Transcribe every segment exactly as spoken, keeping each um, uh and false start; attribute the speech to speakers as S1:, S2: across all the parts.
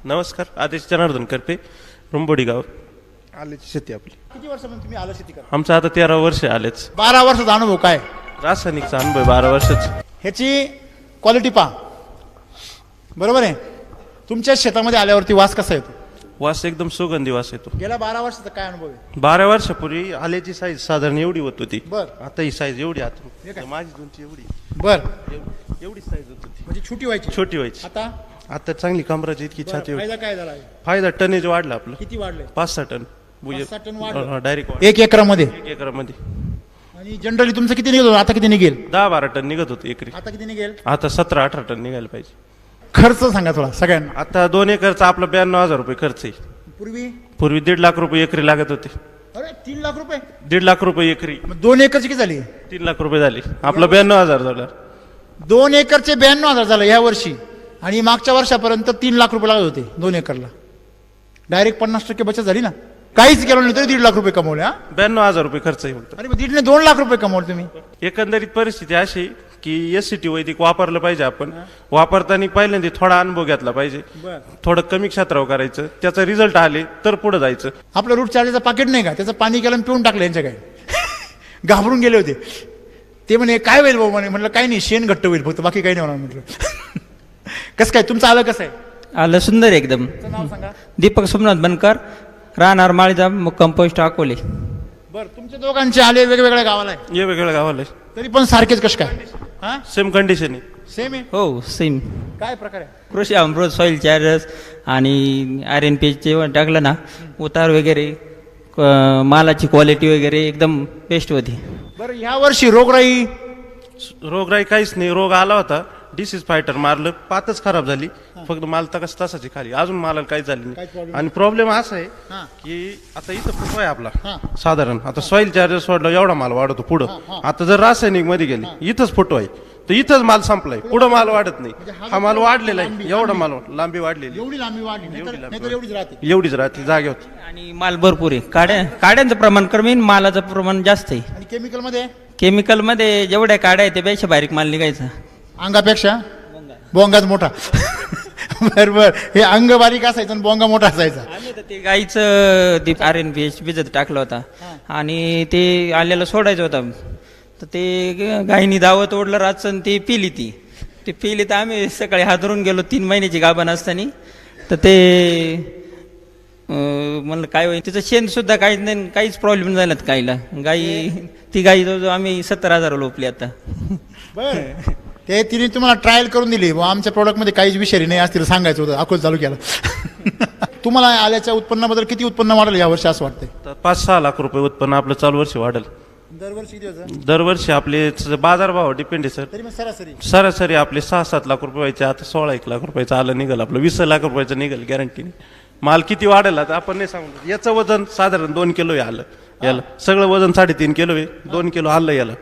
S1: नमस्कार, आदेश जनार्दन करपे, रुंबोडी गाव, आल्याची शेती आपली.
S2: किती वर्षापासून तुम्ही आलं शेती करता?
S1: आमचं आता तेरा वर्ष आलेच.
S2: बारा वर्षाचा अनुभव काय?
S1: रासायनिकचा अनुभव बारा वर्षाच.
S2: ह्याची क्वालिटी पहा, बरोबर आहे. तुमच्या शेतामध्ये आल्यावरती वास कसा येतो?
S1: वास एकदम सुगंधी वास येतो.
S2: गेल्या बारा वर्षाचा काय अनुभव आहे?
S1: बारा वर्षापूर्वी आल्याची साईज साधारण एवढी होत होती.
S2: बर.
S1: आता ही साईज एवढी
S2: हे
S1: आता
S2: काय?
S1: माझी दोनची एवढी
S2: बर,
S1: एवढी एवढी साईज होत होती.
S2: म्हणजे छोटी व्हायची.
S1: छोटी व्हायची.
S2: आता
S1: आता चांगली कमराची इतकी
S2: बरं,
S1: छाती होती.
S2: फायदा काय झाला?
S1: फायदा टनेज वाढला आपलं.
S2: किती वाढले?
S1: पाच सहा टन
S2: पाच सहा टन वाढलं?
S1: डायरेक्ट
S2: एक एकरामध्ये.
S1: एक एकरामध्ये
S2: आणि जनरली तुमचं किती निघेल? आता किती निघेल?
S1: दहा बारा टन निघत होते एकरी.
S2: आता किती निघेल?
S1: आता सतरा अठरा टन निघायला पाहिजे.
S2: खर्च सांगा थोडा सगळ्यांना.
S1: आता दोन एकरचा आपला ब्याण्णव हजार रुपये खर्च आहे.
S2: पूर्वी
S1: पूर्वी दीड लाख रुपये एकरी लागत होते.
S2: अरे तीन लाख रुपये.
S1: दीड लाख रुपये एकरी.
S2: मग दोन एकरची किती झाली?
S1: तीन लाख रुपये झाले. आपलं ब्याण्णव हजार झालं.
S2: दोन एकरचे ब्याण्णव हजार झालं या वर्षी. आणि मागच्या वर्षापर्यंत तीन लाख रुपये लागत होते दोन एकरला. डायरेक्ट पन्नास टक्के बचत झाली ना. काहीच केलं नाही तरी दीड लाख रुपये कमवले. हा,
S1: ब्याण्णव हजार रुपये खर्च आहे फक्त.
S2: अरे मग दीडने दोन लाख रुपये कमवले तुम्ही.
S1: एकंदरीत परिस्थिती अशी की एस सी टी वैदिक वापरलं पाहिजे. आपण वापरताना पहिल्यांदा थोडा अनुभव घेतला पाहिजे.
S2: बर.
S1: थोडं कमी क्षेत्रावर करायचं, त्याचा रिझल्ट आले तर पुढे जायचं.
S2: आपलं रूट चार्जेचं पाकिट नाही का, त्याचं पाणी केलं आणि पिऊन टाकलं यांच्या काय. घाबरून गेले होते ते. म्हणे काय होईल भाऊ? म्हणे म्हटलं काही नाही, शेण घट्ट होईल फक्त, बाकी काही नाही होणार म्हटलं. कसं काय तुमचं आलं? कसं आहे?
S3: आलं सुंदर एकदम.
S2: तुमचं नाव सांगा.
S3: दीपक सोमनाथ बनकर, राहणार माळीजा, कंपोस्ट अकोले.
S2: बरं, तुमच्या दोघांचे आले वेगवेगळ्या गावाला आहे,
S1: ये वेगळं गावाला
S2: तरी पण सारखेच कसं काय? हा,
S1: सेम कंडिशन आहे.
S2: सेम आहे.
S3: हो सेम.
S2: काय प्रकार आहे?
S3: कृषी अमृत, सॉईल चार्जर्स आणि आर एन पी चे टाकलं ना, उतार वगैरे, क- मालाची क्वालिटी वगैरे एकदम बेस्ट होती.
S2: बरं, ह्या वर्षी रोगराई
S1: रोगराई काहीच नाही. रोग आला होता, डिसीज फायटर मारलं, पातच खराब झाली. फक्त माल तकस तसाची खाली, अजून मालाला काहीच झाली
S2: काहीच
S1: नाही.
S2: problem
S1: आणि प्रॉब्लेम असा आहे
S2: हा.
S1: की आता इथं फुटवा आहे आपला
S2: हा.
S1: साधारण. आता सॉईल चार्जर सोडला एवढा माल वाढतो पुढं. आता जर रासायनिक मध्ये गेले, इथंच फुटवा आहे, तर इथंच माल संपलाय, पुढं माल वाढत नाही.
S2: हा
S1: हा माल
S2: जो
S1: वाढलेला
S2: लांबी-
S1: आहे, एवढा माल लांबी वाढलेली,
S2: एवढी लांबी वाढली, नाहीतर
S1: एवढी लांबी
S2: नाहीतर एवढीच राहते.
S1: एवढीच राहते जागेवर.
S3: आणि माल भरपूर आहे. काड्या काड्यांचं प्रमाण कमी, मालाचं प्रमाण जास्त आहे.
S2: आणि केमिकल मध्ये
S3: केमिकलमध्ये जेवढ्या काड्या आहेत त्यापेक्षा बारीक माल निघायचा.
S2: अंगापेक्षा बोंगाच मोठा. बरोबर, हे अंग बारीक असायचं आणि बोंगा मोठा असायचा.
S3: आम्ही तर ते गाईचं ते आर एन पी एच भिजत टाकलं होता आणि ते आल्याला सोडायचं होतं. तर ते ग- गाईनी दावत ओढलं रातचं आणि ते पिली ती ते पिली तर आम्ही सकाळी हादरून गेलो. तीन महिन्याची गाभण असताना. तर ते अं, म्हणलं काय होईल, तिचं शेण सुद्धा काहीच नाही, काहीच प्रॉब्लेम झाला गाईला. गाई ती गाई जवळजवळ आम्ही सत्तर हजार लोपली आता.
S2: बर, ते तिने तुम्हाला ट्रायल करून दिली, बुवा आमच्या प्रोडक्टमध्ये काहीच विषारी नाही असतील सांगायचं होतं, अकोल चालू केला. तुम्हाला आल्याच्या उत्पन्नाबद्दल किती उत्पन्न वाढलं या वर्षी असं वाटतंय?
S1: तर पाच सहा लाख रुपये उत्पन्न आपलं चालू वर्षी वाढेल.
S2: दरवर्षी किती होतं?
S1: दरवर्षी आपले बाजारभाव डिपेंड आहे सर.
S2: तरी मग सरासरी
S1: सरासरी आपले सहा सात लाख रुपये व्हायचे, आता सोळा एक लाख रुपयाचं आलं निघाल, आपलं वीस लाख रुपयाचं निघाल गॅरंटीने. माल किती वाढेल आता आपण नाही सांगू. याचं वजन साधारण दोन किलो आहे आलं, याला सगळं वजन साडेतीन किलो आहे, दोन किलो आलं याला.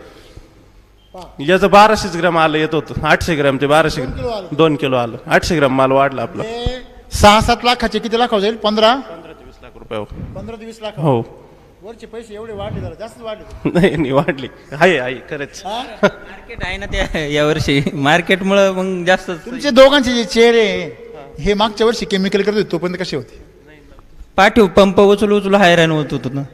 S1: याचं बाराशेच ग्रॅम आलं येत होतं, आठशे ग्रॅम ते बाराशे ग्रॅम, दोन किलो आलं, आठशे ग्रॅम माल वाढला आपला.
S2: हे सहा सात लाखाचे किती लाख जाईल? पंधरा
S1: पंधरा ते वीस लाख रुपये.
S2: पंधरा ते वीस लाख.
S1: हो.
S2: वरचे पैसे एवढे वाढले, जरा जास्त वाढले.
S1: नाही नाही वाढली आहे आहे खरंच.
S2: हा?
S3: मार्केट आहे ना त्या यावर्षी, मार्केटमुळं मग जास्त.
S2: तुमचे दोघांचे जे चेहरे हे मागच्या वर्षी केमिकल करत होते तोपर्यंत कसे होते?
S3: पाठीव पंप उचलू उचलू हैराण होत होतो ना.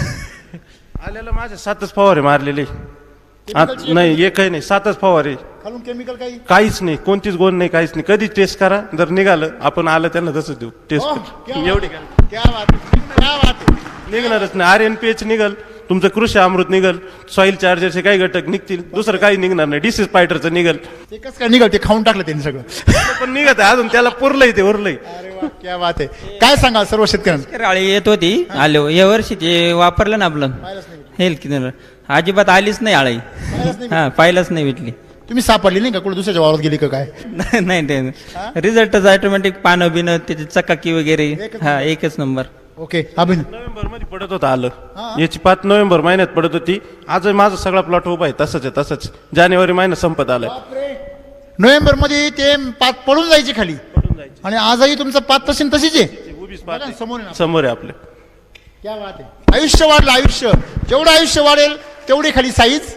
S1: आलेलं माझ्या सातच फवारे मारलेले. आत-
S2: Chemicalची
S1: नाही एकही नाही, सातच फवारे.
S2: खालून केमिकल काही?
S1: काहीच नाही, कोणतीच गोण नाही, काहीच नाही. कधी टेस्ट करा, जर निघालं आपण आलं त्यांना तसंच देऊ
S2: ओह,
S1: टेस्ट.
S2: क्या
S1: एवढी
S2: बात
S1: काय
S2: है, क्या बात है, क्या बात है.
S1: निघणारच नाही. आर एन पी एच निघल, तुमचं कृषी अमृत निघल, सॉईल चार्जरचे काही घटक निघतील, दुसरं काही निघणार नाही. डिसीज फायटरचं निघल,
S2: ते कसं काय निघाल? ते खाऊन टाकलं त्यांनी सगळं.
S1: पण निघत आहे अजून, त्याला पुरलंय ते उरलंय.
S2: अरे वा, क्या बात आहे. काय सांगाल सर्व शेतकऱ्यांना?
S3: राळी येत होती, आलो या वर्षी ते वापरलं ना आपलं
S2: पाहिलंच नाही
S3: हेल्थ किनर, अजिबात आलीच नाही आळी.
S2: पाहिलंच नाही.
S3: हा पाहिलंच नाही भेटली.
S2: तुम्ही सापडली नाही का? कुठे दुसऱ्याच्या वावरात गेली का काय?
S3: नाही नाही ते रिझल्टच ऑटोमॅटिक पानं बिनं त्याची चकाकी वगैरे. हा एकच नंबर.
S2: ओके, अभिन
S1: नोव्हेंबर मध्ये पडत होतं आलं, याची पाच नोव्हेंबर महिन्यात पडत होती. आज माझा सगळा प्लॉट उभा आहे तसंच आहे तसंच. जानेवारी महिना संपत आलाय.
S2: नोव्हेंबर मध्ये ते पात पडून जायची खाली, आणि आजही तुमचं पात तशी न तशीच आहे.
S1: उभीच
S2: बघा ना,
S1: पाहते.
S2: समोर आहे ना.
S1: समोर आहे आपल्या.
S2: क्या बात आहे. आयुष्य वाढलं, आयुष्य जेवढं आयुष्य वाढेल तेवढी खाली साईज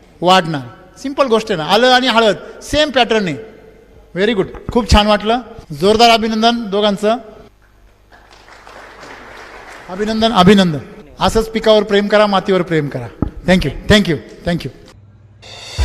S2: वाढणार. सिंपल गोष्ट आहे ना. आलं आणि हळद सेम पॅटर्न आहे. व्हेरी गुड, खूप छान वाटलं. जोरदार अभिनंदन दोघांचं. अभिनंदन अभिनंदन. असंच पिकावर प्रेम करा, मातीवर प्रेम करा. Thank you thank you thank you.